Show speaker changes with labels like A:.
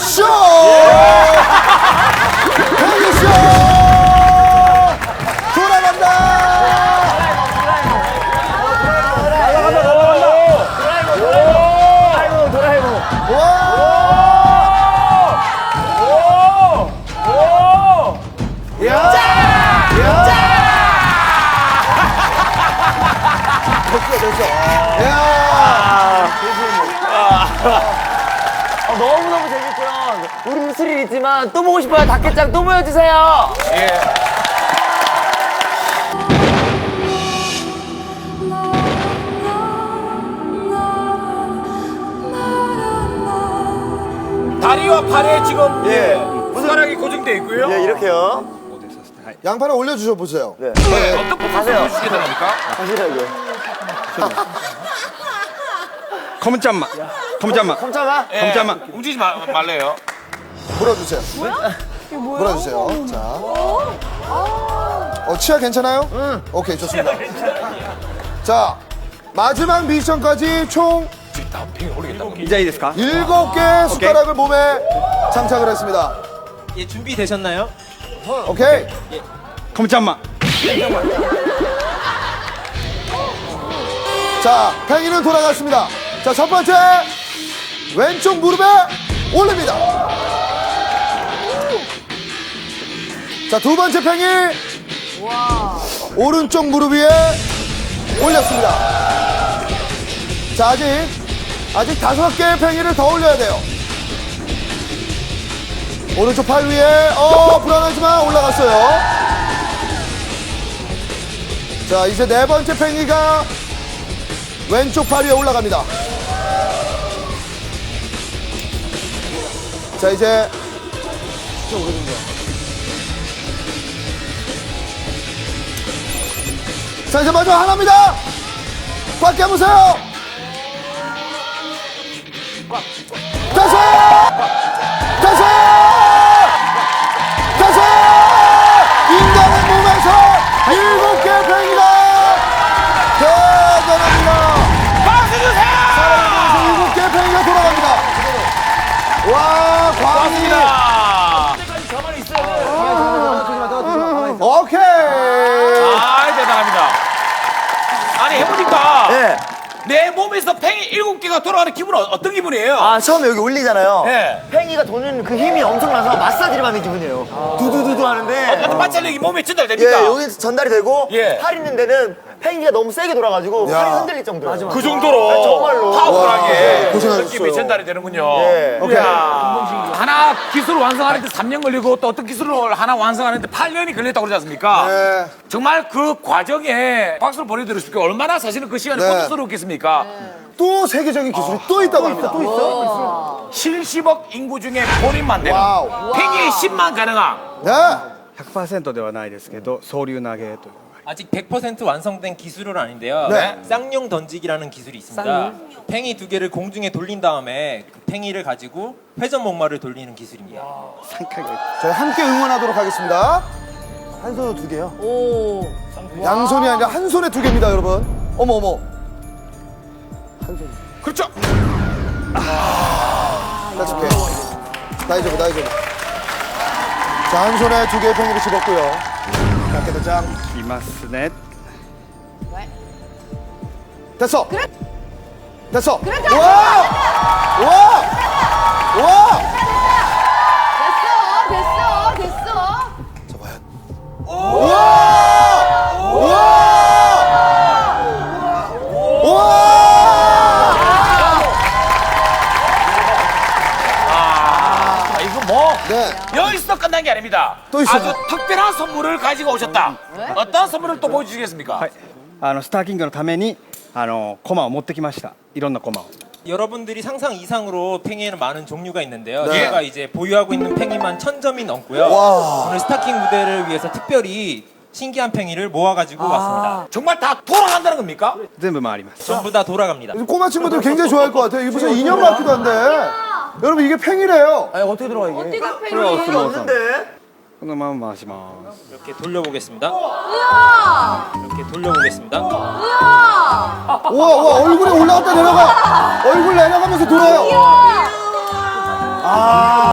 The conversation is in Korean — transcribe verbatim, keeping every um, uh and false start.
A: 팽이쇼! 팽이쇼! 돌아간다!
B: 날아간다, 날아간다. 도라에몽, 도라에몽.
A: 와! 야! 야! 됐어, 됐어. 야!
B: 어, 너무너무 재밌고요. 우리 스릴 있지만 또 보고 싶어요. 닭게장 또 보여주세요.
C: 예. 다리와 팔에 지금 예. 숟가락이 고정되어 있고요.
B: 네, 이렇게요.
A: 양파를 올려주셔 보세요.
B: 네.
C: 네. 어떤 포커스
B: 가세요.
C: 보여주시게 됩니까?
B: 가시라고요.
D: 컴 잠만. 컴 잠만.
B: 컴참아.
C: 예.
D: 잠깐만.
C: 움직이지 마, 말래요.
A: 물어주세요. 물어주세요. 자. 어, 치아 괜찮아요? 응. 오케이, 좋습니다. 자, 마지막 미션까지 총
D: 이제 이ですか?
A: 일곱 개 숟가락을 몸에 장착을 했습니다.
E: 예, 준비되셨나요?
A: 오케이.
D: 컴 잠만.
A: 자, 팽이는 돌아갔습니다. 자, 첫 번째 왼쪽 무릎에 올립니다. 자, 두 번째 팽이 오른쪽 무릎 위에 올렸습니다. 자, 아직 아직 다섯 개의 팽이를 더 올려야 돼요. 오른쪽 팔 위에 어 불안하지만 올라갔어요. 자, 이제 네 번째 팽이가 왼쪽 팔 위에 올라갑니다. 자, 이제 자, 이제 마지막 하나입니다. 꽉 깨보세요. 다섯! 다섯! 다섯! 인간의 몸에서 일곱 개 팽이다! 대단합니다!
C: 박수 주세요!
A: 일곱 개 팽이가 돌아갑니다. 와, 광희!
C: 가만히 있어요.
A: 오케이!
C: 아, 대단합니다. 아니, 해보니까
B: 네.
C: 내 몸에서 팽이 일곱 개가 돌아가는 기분은 어떤 기분이에요?
B: 아, 처음에 여기 올리잖아요.
C: 네.
B: 팽이가 도는 그 힘이 엄청나서 마사지를 받는 기분이에요. 두두두두 하는데.
C: 어떤 마찰력이 몸에
B: 예,
C: 전달됩니까?
B: 여기 전달이 되고
C: 예.
B: 팔 있는 데는 팽이가 너무 세게 돌아가지고
A: 야.
B: 팔이 흔들릴 정도예요.
C: 그 정도로
B: 아, 정말로.
C: 파워풀하게
A: 와, 고생하셨어요.
C: 느낌이 전달이 되는군요.
B: 예.
C: 오케이. 하나 기술을 완성하는데 삼 년 걸리고 또 어떤 기술을 하나 완성하는데 팔 년이 걸렸다고 그러지 않습니까?
A: 네.
C: 정말 그 과정에 박수를 보내드릴 수 있게 얼마나 사실은 그 시간이
A: 네.
C: 고통스러웠겠습니까?
A: 또 세계적인 기술이 또 있다고 합니다. 또 있어?
C: 칠십억 인구 중에 본인만 되는
A: 와우.
C: 팽이 십만 가능한
A: 네.
D: ひゃくパーセント ではないですけど、総流投げというのが
E: 아직 백 퍼센트 완성된 기술은 아닌데요.
A: 네.
E: 쌍용 던지기라는 기술이 있습니다. 팽이 두 개를 공중에 돌린 다음에 그 팽이를 가지고 회전 목마를 돌리는 기술입니다.
D: さんかいぐらい。
A: 저희 함께 응원하도록 하겠습니다.
B: 한 손으로 두 개요?
A: 양손이 아니라 한 손에 두 개입니다, 여러분. 어머, 어머.
C: 그렇죠.
A: That's okay. 다이저브, 다이저브. 자, 한 손에 두 개의 팽이를 집었고요. 자, 깨끗장.
D: いますね。
A: 됐어. 됐어. 와! 와! 와!
F: 됐어, 됐어, 됐어.
A: 와! 와! 와!
C: 아, 이거 뭐
A: 네.
C: 여기서 끝난 게 아닙니다.
A: 또 있어요.
C: 아주 특별한 선물을 가지고 오셨다. 어떤 선물을 또 보여주시겠습니까?
D: はい。あのスターキングのためにあのコマを持ってきました。いろんなコマを。
E: 여러분들이 상상 이상으로 팽이에는 많은 종류가 있는데요.
A: 네.
E: 제가 이제 보유하고 있는 팽이만 천 점이 넘고요.
A: 와.
E: 오늘 스타킹 무대를 위해서 특별히 신기한 팽이를 모아가지고 왔습니다.
C: 정말 다 돌아간다는 겁니까?
D: 全部回ります。
E: 전부 다 돌아갑니다.
A: 꼬마 친구들 굉장히 좋아할 것 같아요. 이게 무슨 인형 같기도 한데. 여러분, 이게 팽이래요.
B: 아니, 어떻게 들어가, 이게?
F: 어떻게
D: 어,
F: 팽이?
D: 없어.
B: 없는데?
D: このまま回します。
E: 이렇게 돌려보겠습니다.
F: 우와!
E: 이렇게 돌려보겠습니다.
F: 우와!
A: 우와, 우와, 얼굴이 올라갔다 내려가. 얼굴 내려가면서 돌아요.
F: 우와!
A: 아.